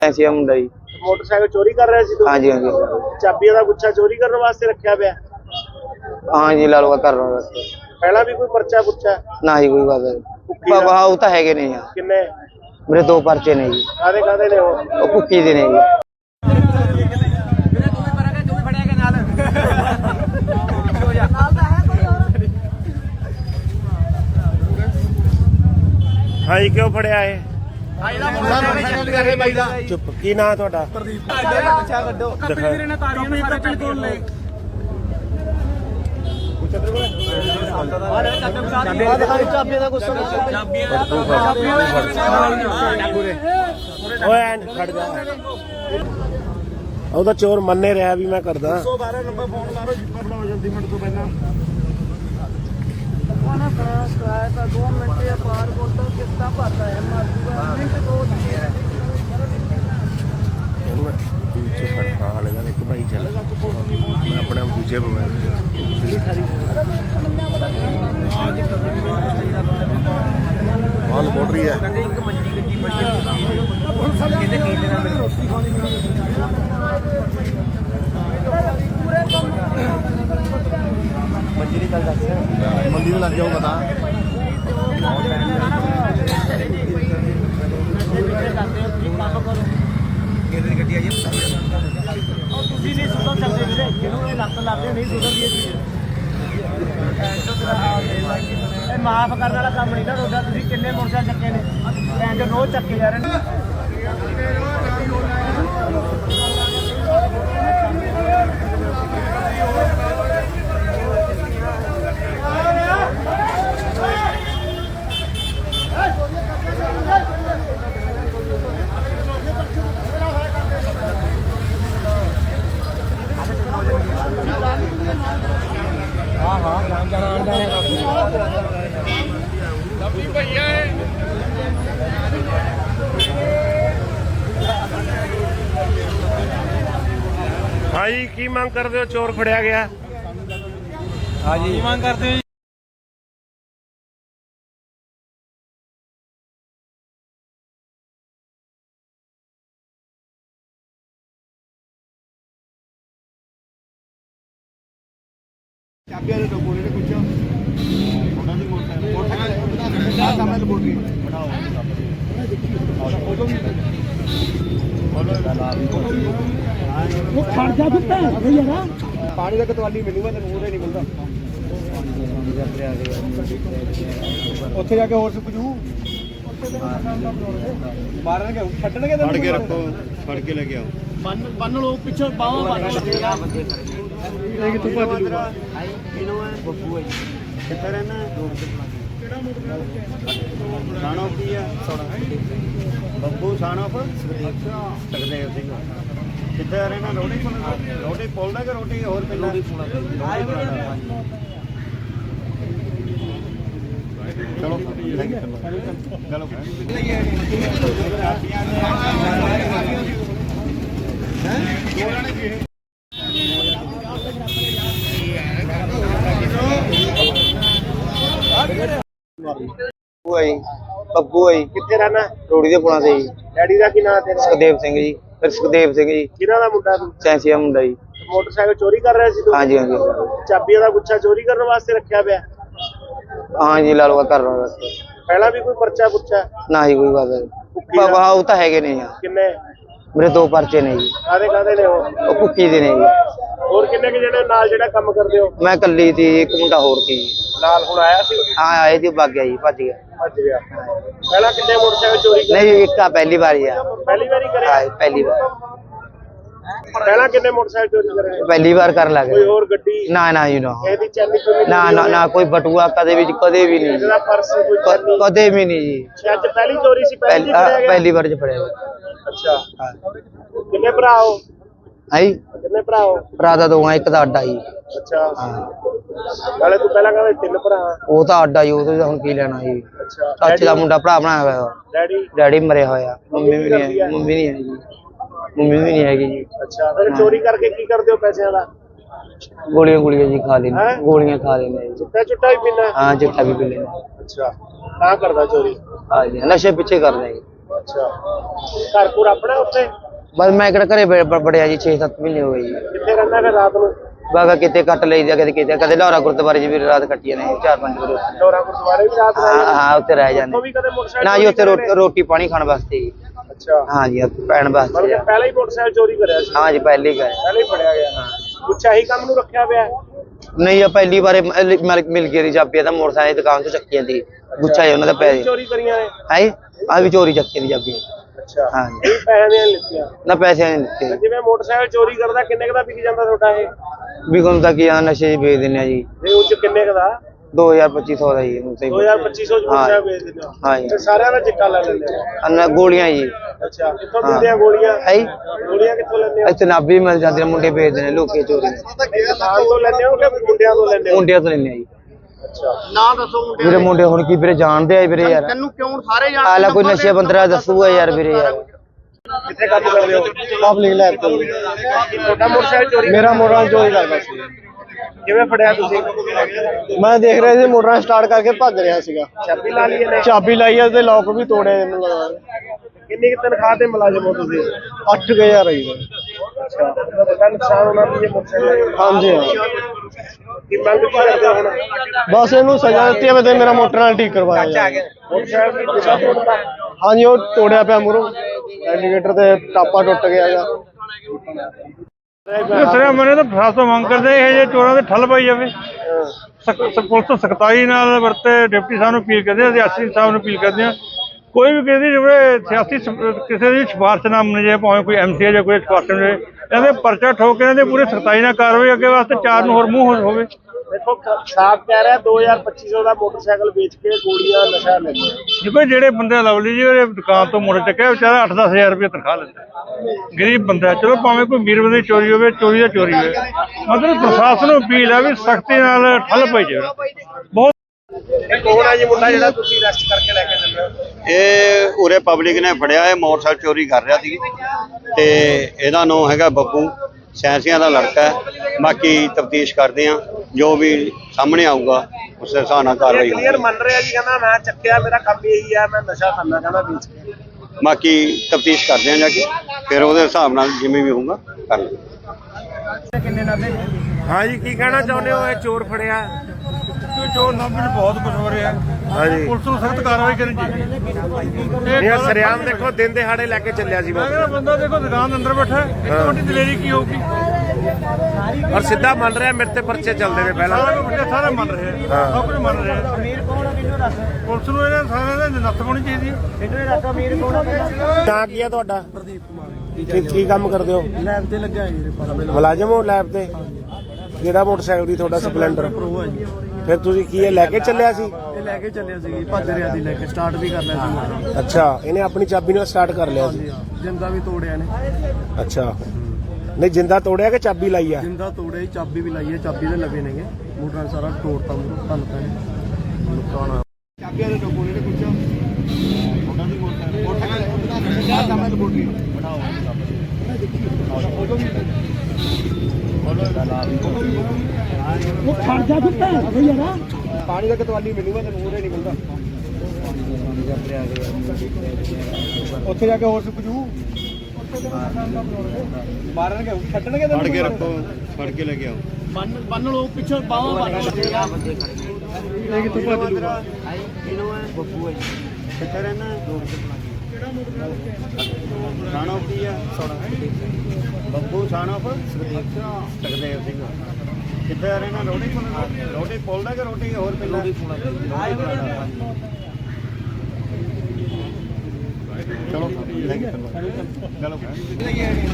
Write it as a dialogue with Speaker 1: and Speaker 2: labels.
Speaker 1: ਐਸੀ ਮੁੰਡਾ ਜੀ।
Speaker 2: ਮੋਟਰਸਾਈਕਲ ਚੋਰੀ ਕਰ ਰਿਹਾ ਸੀ ਤੂੰ?
Speaker 1: ਹਾਂਜੀ ਹਾਂਜੀ
Speaker 2: ਚਾਬੀਆਂ ਦਾ ਗੁੱਛਾ ਚੋਰੀ ਕਰਨ ਵਾਸਤੇ ਰੱਖਿਆ ਪਿਆ?
Speaker 1: ਹਾਂਜੀ ਲਾ ਲਓ ਕਰ ਰਹਾ ਬਸ।
Speaker 2: ਪਹਿਲਾਂ ਵੀ ਕੋਈ ਪਰਚਾ ਪੁੱਛਾ?
Speaker 1: ਨਾ ਹੀ ਕੋਈ ਬਾਤ ਵਾਹ ਉਹ ਤਾਂ ਹੈਗੇ ਨਹੀਂ ਯਾਰ।
Speaker 2: ਕਿੰਨੇ?
Speaker 1: ਮੇਰੇ 2 ਪਰਚੇ ਨੇ ਜੀ।
Speaker 2: ਕਾਦੇ ਕਾਦੇ ਨੇ ਉਹ?
Speaker 1: ਭੁੱਕੀ ਦੇ ਨੇ ਜੀ।
Speaker 2: ਹਾਂਜੀ ਕਿਉਂ ਫੜਿਆ ਇਹ? ਚੁੱਪ। ਕੀ ਨਾਂ ਤੁਹਾਡਾ? ਉਹਦਾ ਚੋਰ ਮੰਨੇ ਰਿਹਾ ਵੀ ਮੈਂ ਕਰਦਾ। 112 ਨੰਬਰ ਫੋਨ ਮਾਰੋ ਜਿੱਪਰ ਲਾਓ ਜਲਦੀ ਮਿੰਟ ਤੋਂ ਪਹਿਲਾਂ। ਤਾਂ 2 ਮਿੰਟ या पार बोलता कितना पाता है मिनट 2 ਦੂਜੇ ਫੜਕਾ ਵਾਲੇ ਦਾ ਇੱਕ ਭਾਈ ਚੱਲ ਮੈਂ ਆਪਣੇ ਦੂਜੇ ਮਾਲ ਬੋਲ ਰਹੀ ਹੈ। ਮੰਡੀ ਲੱਗ ਜਾਓ ਪਤਾ। ਤੁਸੀਂ ਨਹੀਂ ਸੁਧਰ ਸਕਦੇ ਵੀਰੇ, ਜਿਹਨੂੰ ਇਹ ਲੱਤ ਲੱਗਦੇ ਨਹੀਂ ਸੁਧਰਦੀ ਇਹ ਮਾਫ ਕਰਨ ਵਾਲਾ ਕੰਮ ਨਹੀਂ ਨਾ ਤੁਹਾਡਾ। ਤੁਸੀਂ ਕਿੰਨੇ ਮੋਟਰਸਾਈਕਲ ਚੱਕੇ ਨੇ? ਭੈਣ ਜੋ ਰੋਜ਼ ਚੱਕੇ ਜਾ ਰਹੇ ਨੇ। हाँ जी की मांग करते हो? चोर फड़िया गया। हाँ जी मांग करते हो? पानी का कतवाली मिलूंगा तेन पूरे नहीं मिलता। ਉੱਥੇ ਜਾ ਕੇ ਹੋਰ ਸੁੱਕ ਜੂ। ਮਾਰਨਗੇ ਛੱਡਣਗੇ ਫੜ ਕੇ ਰੱਖੋ, ਫੜ ਕੇ ਲੈ ਕੇ ਆਓ। ਬੰਨ ਲੋ ਪਿੱਛੇ ਬਾਹਾਂ ਬੰਨ ਲਓ। ਇਹ ਕਿ ਤੂੰ ਭੱਜ ਜੂਗਾ। ਕਿਨੋ ਹੈ? ਬੱਬੂ ਹੈ ਜੀ। ਕਿੱਥੇ ਰਹਿਣਾ? ਕਿਹੜਾ ਮੋਟਰ ਸਾਨੋ ਕੀ ਆ? ਬੱਬੂ ਸਾਨੋ ਸੁਖਦੇਵ ਸਿੰਘ। ਕਿੱਥੇ ਰਹਿਣਾ? ਰੋਟੀ ਪੁੱਲ ਦਾ ਕਿ ਰੋਟੀ ਹੋਰ ਪਿੰਡ? ਚਲੋ ਚਲੋ
Speaker 1: ਬੱਬੂ ਹੈ ਜੀ।
Speaker 2: ਕਿੱਥੇ ਰਹਿਣਾ?
Speaker 1: ਰੋੜੀ ਦੇ ਪੁਲਾਂ ਤੇ ਜੀ।
Speaker 2: ਡੈਡੀ ਦਾ ਕੀ ਨਾਂ ਤੇਰਾ?
Speaker 1: ਸੁਖਦੇਵ ਸਿੰਘ ਜੀ। ਸੁਖਦੇਵ ਸਿੰਘ ਜੀ।
Speaker 2: ਕਿਹਨਾਂ ਦਾ ਮੁੰਡਾ ਤੂੰ?
Speaker 1: ਸੈਂਸੀਆ ਮੁੰਡਾ ਜੀ।
Speaker 2: ਮੋਟਰਸਾਈਕਲ ਚੋਰੀ ਕਰ ਰਿਹਾ ਸੀ ਤੂੰ?
Speaker 1: ਹਾਂਜੀ ਹਾਂਜੀ
Speaker 2: ਚਾਬੀਆਂ ਦਾ ਗੁੱਛਾ ਚੋਰੀ ਕਰਨ ਵਾਸਤੇ ਰੱਖਿਆ ਪਿਆ?
Speaker 1: ਹਾਂਜੀ ਲਾ ਲਓ ਕਰ ਰਹਾ ਬਸ।
Speaker 2: ਪਹਿਲਾਂ ਵੀ ਕੋਈ ਪਰਚਾ ਪੁੱਛਾ?
Speaker 1: ਨਾ ਹੀ ਕੋਈ ਬਾਤ ਵਾਹ ਉਹ ਤਾਂ ਹੈਗੇ ਨਹੀਂ ਯਾਰ।
Speaker 2: ਕਿੰਨੇ?
Speaker 1: ਮੇਰੇ 2 ਪਰਚੇ ਨੇ ਜੀ।
Speaker 2: ਕਾਦੇ ਕਾਦੇ ਨੇ ਉਹ?
Speaker 1: ਭੁੱਕੀ ਦੇ ਨੇ ਜੀ।
Speaker 2: ਹੋਰ ਕਿੰਨੇ ਕਿ ਜਿਹੜੇ ਨਾਲ ਜਿਹੜਾ ਕੰਮ ਕਰਦੇ ਹੋ?
Speaker 1: ਮੈਂ ਇਕੱਲੀ ਸੀ, ਇੱਕ ਮੁੰਡਾ ਹੋਰ ਸੀ ਜੀ।
Speaker 2: ਨਾਲ ਹੁਣ ਆਇਆ ਸੀ?
Speaker 1: ਹਾਂ ਆਏ ਜੀ, ਭੱਜ ਗਿਆ ਜੀ, ਭੱਜ ਗਿਆ।
Speaker 2: ਪਹਿਲਾਂ ਕਿੰਨੇ ਮੋਟਰਸਾਈਕਲ ਚੋਰੀ ਕਰੇ?
Speaker 1: ਨਹੀਂ ਇੱਕ ਪਹਿਲੀ ਵਾਰੀ ਆ।
Speaker 2: ਪਹਿਲੀ ਵਾਰੀ ਕਰਿਆ?
Speaker 1: ਹਾਂ ਪਹਿਲੀ ਵਾਰ।
Speaker 2: ਪਹਿਲਾਂ ਕਿੰਨੇ ਮੋਟਰਸਾਈਕਲ ਚੋਰੀ ਕਰੇ?
Speaker 1: ਪਹਿਲੀ ਵਾਰ ਕਰਨ ਲੱਗ
Speaker 2: ਕੋਈ ਹੋਰ ਗੱਡੀ?
Speaker 1: ਨਾ ਨਾ ਜੀ ਨਾ।
Speaker 2: ਇਹਦੀ ਚੈਨੀ ਕੋਈ?
Speaker 1: ਨਾ ਨਾ ਨਾ ਕੋਈ ਬਟੂਆ ਕਦੇ ਵੀ ਨਹੀਂ ਜੀ।
Speaker 2: ਇਹਦਾ ਪਰਸ ਕੋਈ ਚੈਨੀ?
Speaker 1: ਕਦੇ ਵੀ ਨਹੀਂ ਜੀ।
Speaker 2: ਅੱਜ ਪਹਿਲੀ ਚੋਰੀ ਸੀ?
Speaker 1: ਪਹਿਲੀ ਵਾਰ ਚ ਫੜਿਆ।
Speaker 2: ਅੱਛਾ ਕਿੰਨੇ ਭਰਾ ਹੋ?
Speaker 1: ਆਈ
Speaker 2: ਕਿੰਨੇ ਭਰਾ ਹੋ?
Speaker 1: ਭਰਾ ਦਾ 2 ਆ, ਇੱਕ ਦਾ ਅੱਡਾ ਜੀ।
Speaker 2: ਅੱਛਾ ਨਾਲੇ ਤੂੰ ਪਹਿਲਾਂ ਕਹਿੰਦਾ 3 ਭਰਾ।
Speaker 1: ਉਹ ਤਾਂ ਅੱਡਾ ਜੀ, ਉਹ ਤੋਂ ਹੁਣ ਕੀ ਲੈਣਾ ਜੀ।
Speaker 2: ਅੱਛਾ
Speaker 1: ਚਾਚੇ ਦਾ ਮੁੰਡਾ ਭਰਾ ਬਣਾਇਆ ਹੋਇਆ। ਡੈਡੀ ਮਰਿਆ ਹੋਇਆ। ਮੰਮੀ ਵੀ ਨਹੀਂ ਹੈ। ਮੰਮੀ ਨਹੀਂ ਹੈਗੀ ਜੀ।
Speaker 2: ਅੱਛਾ ਫਿਰ ਚੋਰੀ ਕਰਕੇ ਕੀ ਕਰਦੇ ਹੋ ਪੈਸਿਆਂ ਦਾ?
Speaker 1: ਗੋਲੀਆਂ ਜੀ ਖਾ ਲੈਂਦੇ। ਗੋਲੀਆਂ ਖਾ ਲੈਂਦੇ ਜੀ।
Speaker 2: ਚਿੱਟਾ ਵੀ ਪੀਂਦਾ?
Speaker 1: ਹਾਂ ਚਿੱਟਾ ਵੀ ਪੀ ਲੈਂਦੇ।
Speaker 2: ਅੱਛਾ ਤਾਂ ਕਰਦਾ ਚੋਰੀ?
Speaker 1: ਹਾਂਜੀ ਨਸ਼ੇ ਪਿੱਛੇ ਕਰਦੇ ਜੀ।
Speaker 2: ਅੱਛਾ ਘਰ ਕੋਲ ਆਪਣਾ ਉੱਥੇ
Speaker 1: ਬਸ ਮੈਂ ਕਿਹੜਾ ਘਰੇ ਬੜਿਆ ਜੀ 6-7 ਮਹੀਨੇ ਹੋ ਗਏ ਜੀ।
Speaker 2: ਕਿੱਥੇ ਰਹਿੰਦਾ ਫਿਰ ਰਾਤ ਨੂੰ
Speaker 1: ਬਾਗਾ ਕਿਤੇ ਕੱਟ ਲਈਦਾ ਕਦੇ ਕਿਤੇ ਕਦੇ ਲਾਹੌਰਾ ਗੁਰਦੁਆਰੇ 'ਚ ਵੀ ਰਾਤ ਕੱਟੀ ਨੇ 4-5 ਵਾਰ ਉੱਥੇ।
Speaker 2: ਡੋਰਾ ਗੁਰਦੁਆਰੇ ਵੀ ਰਾਤ ਰਹਿ
Speaker 1: ਹਾਂ ਹਾਂ ਉੱਥੇ ਰਹਿ ਜਾਂਦੇ
Speaker 2: ਉਹ ਵੀ ਕਦੇ ਮੋਟਰਸਾਈਕਲ
Speaker 1: ਨਾ ਜੀ ਉੱਥੇ ਰੋਟੀ ਪਾਣੀ ਖਾਣ ਵਾਸਤੇ ਜੀ।
Speaker 2: ਅੱਛਾ
Speaker 1: ਹਾਂ ਜੀ ਪੈਣ ਵਾਸਤੇ
Speaker 2: ਮਤਲਬ ਕਿ ਪਹਿਲਾਂ ਹੀ ਮੋਟਰਸਾਈਕਲ ਚੋਰੀ ਕਰਿਆ ਸੀ
Speaker 1: ਹਾਂ ਜੀ ਪਹਿਲੀ ਗਏ
Speaker 2: ਪਹਿਲਾਂ ਹੀ ਫੜਿਆ ਗਿਆ ਕੁਛ ਆਹੀ ਕੰਮ ਨੂੰ ਰੱਖਿਆ ਪਿਆ
Speaker 1: ਨਹੀਂ ਆ ਪਹਿਲੀ ਵਾਰੇ ਮਿਲ ਗਿਆ ਦੀ ਚਾਬੀ ਤਾਂ ਮੋਟਰਸਾਈਕਲ ਦੀ ਦੁਕਾਨ ਤੋਂ ਚੱਕੀ ਜਾਂਦੀ ਗੁੱਛਾ ਜੀ ਉਹਨਾਂ ਦਾ ਪੈਸੇ
Speaker 2: ਚੋਰੀ ਕਰੀਆਂ ਨੇ
Speaker 1: ਹੈ ਆ ਵੀ ਚੋਰੀ ਚੱਕੀ ਦੀ ਚਾਬੀ
Speaker 2: ਅੱਛਾ
Speaker 1: ਹਾਂ ਜੀ
Speaker 2: ਇਹ ਪੈਸੇ ਦੀਆਂ ਲਿੱਤੀਆਂ
Speaker 1: ਨਾ ਪੈਸੇ ਨਹੀਂ ਦਿੱਤੇ
Speaker 2: ਜਿਵੇਂ ਮੋਟਰਸਾਈਕਲ ਚੋਰੀ ਕਰਦਾ ਕਿੰਨੇ ਕੁ ਦਾ ਵਿਕ ਜਾਂਦਾ ਤੁਹਾਡਾ ਇਹ
Speaker 1: ਵੀ ਕੋਲ ਤਾਂ ਕੀ ਆ ਨਸ਼ੇ 'ਚ ਵੇਚ ਦਿੰਦੇ ਆ ਜੀ
Speaker 2: ਇਹ ਉੱਚ ਕਿੰਨੇ ਕੁ ਦਾ
Speaker 1: 2000-2500 ਦਾ ਜੀ ਹੁਣ ਸਹੀ
Speaker 2: 2500 ਚ ਮੋਟਰਸਾਈਕਲ ਵੇਚ ਦਿੰਦੇ ਹੋ
Speaker 1: ਹਾਂ ਜੀ
Speaker 2: ਤੇ ਸਾਰਿਆਂ ਦਾ ਚਿੱਟਾ ਲੈ ਲੈਂਦੇ ਹੋ
Speaker 1: ਅੰਨਾ ਗੋਲੀਆਂ ਜੀ
Speaker 2: ਅੱਛਾ ਕਿੱਥੋਂ ਦਿੰਦੇ ਆ ਗੋਲੀਆਂ
Speaker 1: ਹੈ
Speaker 2: ਗੋਲੀਆਂ ਕਿੱਥੋਂ ਲੈਂਦੇ ਹੋ
Speaker 1: ਇੱਥੇ ਨਾਭੀ ਮਿਲ ਜਾਂਦੇ ਨੇ ਮੁੰਡੇ ਵੇਚਦੇ ਨੇ ਲੋਕੀ ਚੋਰੀ
Speaker 2: ਦੁਕਾਨ ਤੋਂ ਲੈਂਦੇ ਹੋ ਕਿ ਮੁੰਡਿਆਂ ਤੋਂ ਲੈਂਦੇ ਹੋ
Speaker 1: ਮੁੰਡਿਆਂ ਤੋਂ ਲੈਂਦੇ ਆ ਜੀ
Speaker 2: ਅੱਛਾ ਨਾ ਦੱਸੋ ਮੁੰਡੇ
Speaker 1: ਵੀਰੇ ਮੁੰਡੇ ਹੁਣ ਕੀ ਵੀਰੇ ਜਾਣਦੇ ਆ ਵੀਰੇ ਯਾਰ
Speaker 2: ਤੈਨੂੰ ਕਿਉਂ ਸਾਰੇ ਜਾਣਦੇ
Speaker 1: ਆਲਾ ਕੋਈ ਨਸ਼ੇ ਬੰਦਰਾ ਦੱਸੂਗਾ ਯਾਰ ਵੀਰੇ ਯਾਰ
Speaker 2: ਕਿੱਥੇ ਕੰਮ ਕਰਦੇ ਹੋ
Speaker 3: ਪਬਲਿਕ ਲੈਬ ਤੋਂ
Speaker 2: ਤੁਹਾਡਾ ਮੋਟਰਸਾਈਕਲ ਚੋਰੀ
Speaker 3: ਮੇਰਾ ਮੋਟਰ ਚੋਰੀ ਕਰਦਾ ਸੀ
Speaker 2: ਕਿਵੇਂ ਫੜਿਆ ਤੁਸੀਂ
Speaker 3: ਮੈਂ ਦੇਖ ਰਿਹਾ ਸੀ ਮੋਟਰ ਸਟਾਰਟ ਕਰਕੇ ਭੱਜ ਰਿਹਾ ਸੀਗਾ
Speaker 2: ਚਾਬੀ ਲਾ ਲਈ ਇਹਨੇ
Speaker 3: ਚਾਬੀ ਲਾਈ ਆ ਤੇ ਲੋਕ ਵੀ ਤੋੜਿਆ ਇਹਨੂੰ ਲਗਾ
Speaker 2: ਕਿੰਨੀ ਕਿ ਤਨਖਾਹ ਤੇ ਮੁਲਾਜ਼ਮ ਹੋ ਤੁਸੀਂ
Speaker 3: 8000 ਆਈ ਦਾ
Speaker 2: ਅੱਛਾ ਵੱਡਾ ਨੁਕਸਾਨ ਹੋਣਾ ਵੀ ਇਹ ਮੋਟਰਸਾਈਕਲ
Speaker 3: ਹਾਂਜੀ ਹਾਂ
Speaker 2: ਕੀ ਮੰਗ ਕੀ ਕਰਦੇ ਹੋ ਹੁਣ
Speaker 3: ਬਸ ਇਹਨੂੰ ਸਜ਼ਾ ਦਿੱਤੀ ਹੈ ਤੇ ਮੇਰਾ ਮੋਟਰ ਨਾਲ ਠੀਕ ਕਰਵਾਇਆ ਜਾਏ।
Speaker 2: ਮੋਟਰਸਾਈਕਲ ਦੀ ਦਿਸ਼ਾ ਤੋੜਦਾ
Speaker 3: ਹਾਂਜੀ ਉਹ ਤੋੜਿਆ ਪਿਆ ਮੂਹਰੋਂ ਇੰਡੀਕੇਟਰ ਤੇ ਟਾਪਾ ਟੁੱਟ ਗਿਆ ਹੈਗਾ
Speaker 4: ਸਰ ਮੈਨੇ ਤਾਂ ਫਾਸਾ ਮੰਗ ਕਰਦੇ ਇਹ ਜੇ ਚੋਰਾਂ ਦੇ ਠੱਲ ਪਾਈ ਜਾਵੇ ਪੁਲਿਸ ਸਖਤਾਈ ਨਾਲ ਵਰਤੇ ਡਿਪਟੀ ਸਾਹਿਬ ਨੂੰ ਅਪੀਲ ਕਰਦੇ ਆ ਸਿਆਸੀ ਸਾਹਿਬ ਨੂੰ ਅਪੀਲ ਕਰਦੇ ਆ ਕੋਈ ਵੀ ਕਿਸੇ ਦੀ ਸਿਆਸੀ ਕਿਸੇ ਦੀ ਸਿਫਾਰਿਸ਼ ਨਾ ਮੰਨੇ ਜਾਏ ਭਾਵੇਂ ਕੋਈ ਐਮਸੀ ਜਾਂ ਕੋਈ ਸਿਫਾਰਿਸ਼ ਮਿਲੇ ਇਹਦੇ ਪਰਚਾ ਠੋਕ ਕੇ ਇਹਦੇ ਪੂਰੇ ਸਖਤਾਈ ਨਾਲ ਕਾਰਵਾਈ ਅੱਗੇ ਵਾਸਤੇ ਚਾਰ ਨੂੰ ਹੋਰ ਮੂੰਹ ਹੋਵੇ
Speaker 2: ਦੇਖੋ ਸਾਫ ਕਹਿ ਰਿਹਾ 2500 ਦਾ ਮੋਟਰਸਾਈਕਲ ਵੇਚ ਕੇ ਗੋਲੀਆਂ ਨਸ਼ਾ ਲੈਂਦੇ
Speaker 4: ਦੇਖੋ ਜਿਹੜੇ ਬੰਦੇ ਲਵਲੀ ਜੀ ਉਹਦੇ ਦੁਕਾਨ ਤੋਂ ਮੁੜ ਚੱਕਿਆ ਵਿਚਾਰਾ 8-10 ਹਜ਼ਾਰ ਰੁਪਏ ਤਨਖਾਹ ਲੈਂਦਾ ਗਰੀਬ ਬੰਦਾ ਚਲੋ ਭਾਵੇਂ ਕੋਈ ਅਮੀਰ ਬੰਦੇ ਦੀ ਚੋਰੀ ਹੋਵੇ ਚੋਰੀ ਦਾ ਚੋਰੀ ਹੋਵੇ ਮਤਲਬ ਪ੍ਰਸ਼ਾਸਨ ਨੂੰ ਅਪੀਲ ਹੈ ਵੀ ਸਖਤੀ ਨਾਲ ਠੱਲ ਪਾਈ ਜਾਵੇ ਬਹੁਤ
Speaker 2: ਕੌਣ ਹੈ ਜੀ ਮੁੰਡਾ ਜਿਹੜਾ ਤੁਸੀਂ ਅਰੈਸਟ ਕਰਕੇ ਲੈ ਕੇ ਚੱਲੇ ਹੋ
Speaker 5: ਇਹ ਉਰੇ ਪਬਲਿਕ ਨੇ ਫੜਿਆ ਇਹ ਮੋਟਰਸਾਈਕਲ ਚੋਰੀ ਕਰ ਰਿਹਾ ਸੀ ਤੇ ਇਹਦਾ ਨਾਮ ਹੈਗਾ ਬੱਬੂ ਸੈਂਸੀਆਂ ਦਾ ਲੜਕਾ ਹੈ ਬਾਕੀ ਤਫਤੀਸ਼ ਕਰਦੇ ਆ ਜੋ ਵੀ ਸਾਹਮਣੇ ਆਊਗਾ ਉਸ ਦੇ ਹਿਸਾਬ ਨਾਲ ਕਾਰਵਾਈ
Speaker 2: ਕਲੀਅਰ
Speaker 5: ਹੋਊਗੀ
Speaker 2: ਮੰਨ ਰਿਹਾ ਜੀ ਕਹਿੰਦਾ ਮੈਂ ਚੱਕਿਆ ਮੇਰਾ ਕੰਮ ਇਹੀ ਹੈ ਮੈਂ ਨਸ਼ਾ ਕਰਨਾ ਕਹਿੰਦਾ ਵੇਚ ਕੇ
Speaker 5: ਬਾਕੀ ਤਫਤੀਸ਼ ਕਰਦੇ ਆ ਜਾ ਕੇ ਫਿਰ ਉਹਦੇ ਹਿਸਾਬ ਨਾਲ ਜਿਵੇਂ ਵੀ ਹੋਊਗਾ ਕਰ ਲਾਂਗੇ
Speaker 2: ਹਾਂ ਜੀ ਕੀ ਕਹਿਣਾ ਚਾਹੁੰਦੇ ਹੋ ਇਹ ਚੋਰ ਫੜਿਆ
Speaker 4: ਚੋਰ ਨਾਭੀ ਬਹੁਤ ਕੁਝ ਹੋ ਰਿਹਾ
Speaker 2: ਹਾਂਜੀ
Speaker 4: ਪੁਲਿਸ ਨੂੰ ਸਖਤ ਕਾਰਵਾਈ ਕਰਨੀ ਚਾਹੀਦੀ
Speaker 2: ਇਹ ਸਰਿਆਮ ਦੇਖੋ ਦਿਨ ਦਿਹਾੜੇ ਲੈ ਕੇ ਚੱਲਿਆ ਸੀ
Speaker 4: ਮੈਂ ਕਹਿੰਦਾ ਬੰਦਾ ਦੇਖੋ ਦੁਕਾਨ ਦੇ ਅੰਦਰ ਬੈਠਾ ਇੱਕ ਵੱਡੀ ਦਲੇਰੀ ਕੀ ਹੋਊਗੀ
Speaker 2: ਔਰ ਸਿੱਧਾ ਮੰਨ ਰਿਹਾ ਮੇਰੇ ਤੇ ਪਰਚੇ ਚੱਲਦੇ ਨੇ ਪਹਿਲਾਂ
Speaker 4: ਸਾਰਾ ਕੁਝ ਸਾਰੇ ਮੰਨ ਰਹੇ ਆ ਸਭ ਕੁਝ ਮੰਨ ਰਹੇ ਆ ਪੁਲਿਸ ਨੂੰ ਇਹਨਾਂ ਸਾਰਿਆਂ ਦੇ ਨੱਥ ਪਾਉਣੀ ਚਾਹੀਦੀ ਹੈ
Speaker 2: ਤਾਂ ਕੀ ਹੈ ਤੁਹਾਡਾ ਪ੍ਰਦੀਪ ਕੁਮਾਰ ਕੀ ਕੰਮ ਕਰਦੇ ਹੋ
Speaker 3: ਲੈਬ ਤੇ ਲੱਗਿਆ ਜੀ
Speaker 2: ਮੁਲਾਜ਼ਮ ਹੋ ਲੈਬ ਤੇ ਜਿਹੜਾ ਮੋਟਰਸਾਈਕਲ ਦੀ ਤੁਹਾਡਾ ਸਪਲੈਂਡਰ
Speaker 3: ਪ੍ਰੋ ਹੈ ਜੀ
Speaker 2: ਫਿਰ ਤੁਸੀਂ ਕੀ ਇਹ ਲੈ ਕੇ ਚੱਲਿਆ ਸੀ
Speaker 3: ਇਹ ਲੈ ਕੇ ਚੱਲਿਆ ਸੀ ਭੱਜ ਰਿਹਾ ਸੀ ਲੈ ਕੇ ਸਟਾਰਟ ਵੀ ਕਰ ਲਿਆ ਸੀ
Speaker 2: ਅੱਛਾ ਇਹਨੇ ਆਪਣੀ ਚਾਬੀ ਨਾਲ ਸਟਾਰਟ ਕਰ ਲਿਆ ਸੀ
Speaker 3: ਜਿੰਦਾ ਵੀ ਤੋੜਿਆ ਨੇ
Speaker 2: ਅੱਛਾ ਨਹੀਂ ਜਿੰਦਾ ਤੋੜਿਆ ਕਿ ਚਾਬੀ ਲਾਈ ਆ
Speaker 3: ਜਿੰਦਾ ਤੋੜਿਆ ਚਾਬੀ ਵੀ ਲਾਈ ਹੈ ਚਾਬੀ ਦੇ ਲੱਗੇ ਨੇਗੇ ਮੋਟਰ ਸਾਰਾ ਤੋੜਤਾ ਮੂਹਰੋਂ ਭੰਨ ਤਾ ਨੁਕਸਾਨ ਚਾਬੀਆਂ ਦੇ ਡੋਕੋਲੇ ਨੇ ਪੁੱਛੋ ਉਹਨਾਂ ਦੀ ਉਹ ਖੜ ਜਾ ਦਿੱਤਾ ਯਾਰ ਪਾਣੀ ਦਾ ਕਤਵਾਲੀ ਮਿਲੂਗਾ ਤੈਨੂੰ ਉਹਦੇ ਨਹੀਂ ਮਿਲਦਾ ਉੱਥੇ ਜਾ ਕੇ ਹੋਰ ਸੁੱਕ ਜੂ ਮਾਰਨਗੇ ਛੱਡਣਗੇ
Speaker 5: ਫੜ ਕੇ ਰੱਖੋ ਫੜ ਕੇ ਲੈ ਕੇ ਆਓ
Speaker 3: ਬੰਨ ਲੋ ਪਿੱਛੋਂ ਬਾਹਾਂ ਬੰਨ ਇਹ ਕਿੱਥੋਂ ਭੱਜ ਲੂਗਾ
Speaker 2: ਬੱਬੂ ਹੈ ਕਿੱਥੇ ਰਹਿਣਾ ਸਾਨੋ ਕੀ ਆ ਬੱਬੂ ਸਾਨੋ ਸੁਖਦੇਵ ਸਿੰਘ ਕਿੱਥੇ ਰਹਿਣਾ ਰੋਟੀ ਪੁੱਲ ਦਾ ਕਿ ਰੋਟੀ ਹੋਰ ਪਹਿਲਾਂ ਚਲੋ ਚਲੋ